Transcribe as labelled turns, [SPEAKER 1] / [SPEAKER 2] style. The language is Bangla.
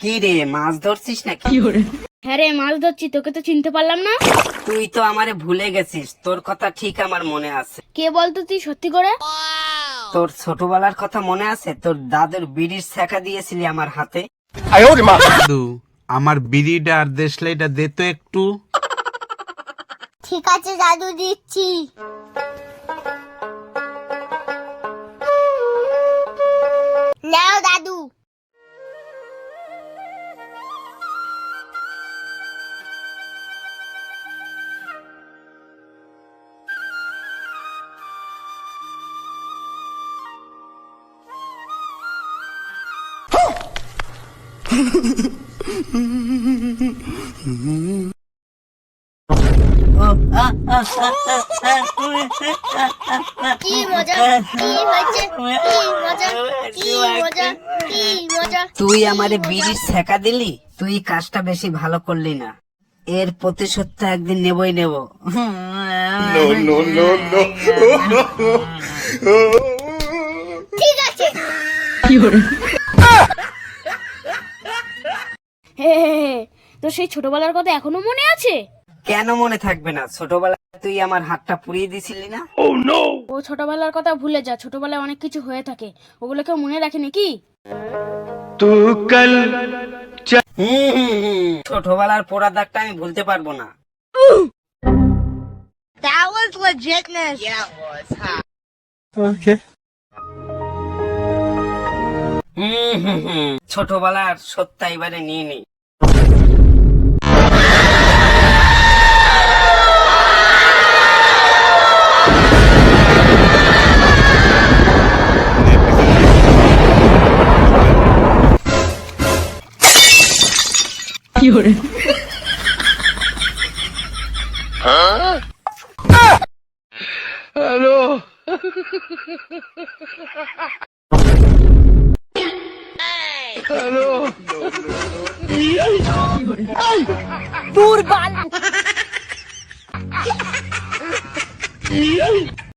[SPEAKER 1] কি রে, মাছ ধরছিস নাকি?
[SPEAKER 2] হ্যাঁ রে, মাছ ধরছি, তোকে তো চিনতে পারলাম না।
[SPEAKER 1] তুই তো আমারে ভুলে গেছিস, তোর কথা ঠিক আমার মনে আছে।
[SPEAKER 2] কে বলতো তুই, সত্যি করে?
[SPEAKER 1] তোর ছোটবেলার কথা মনে আছে? তোর দাদুর বিড়ির ছ্যাঁকা দিয়েছিলি আমার হাতে।
[SPEAKER 3] দাদু, আমার বিড়িটা আর দেশলাইটা দে তো একটু।
[SPEAKER 4] ঠিক আছে দাদু, দিচ্ছি। নাও দাদু। কি মজা, কি হয়েছে, কি মজা, কি মজা, কি মজা।
[SPEAKER 1] তুই আমারে বিড়ির ছ্যাঁকা দিলি, তুই কাজটা বেশি ভালো করলি না। এর প্রতিশোধ তো একদিন নেবই নেব।
[SPEAKER 4] ঠিক আছে।
[SPEAKER 2] হে হে হে, তোর সেই ছোটবেলার কথা এখনো মনে আছে?
[SPEAKER 1] কেন মনে থাকবে না? ছোটবেলায় তুই আমার হাতটা পুড়িয়ে দিছিলি না?
[SPEAKER 2] ও ছোটবেলার কথা ভুলে যা, ছোটবেলায় অনেক কিছু হয়ে থাকে, ওগুলো কেউ মনে রাখে নাকি?
[SPEAKER 1] ছোটবেলার পোড়া দাগটা আমি ভুলতে পারবো না।
[SPEAKER 4] That was legitness.
[SPEAKER 1] ছোটবেলার সত্যা এবারে নিয়ে নি।
[SPEAKER 2] দূর বাল।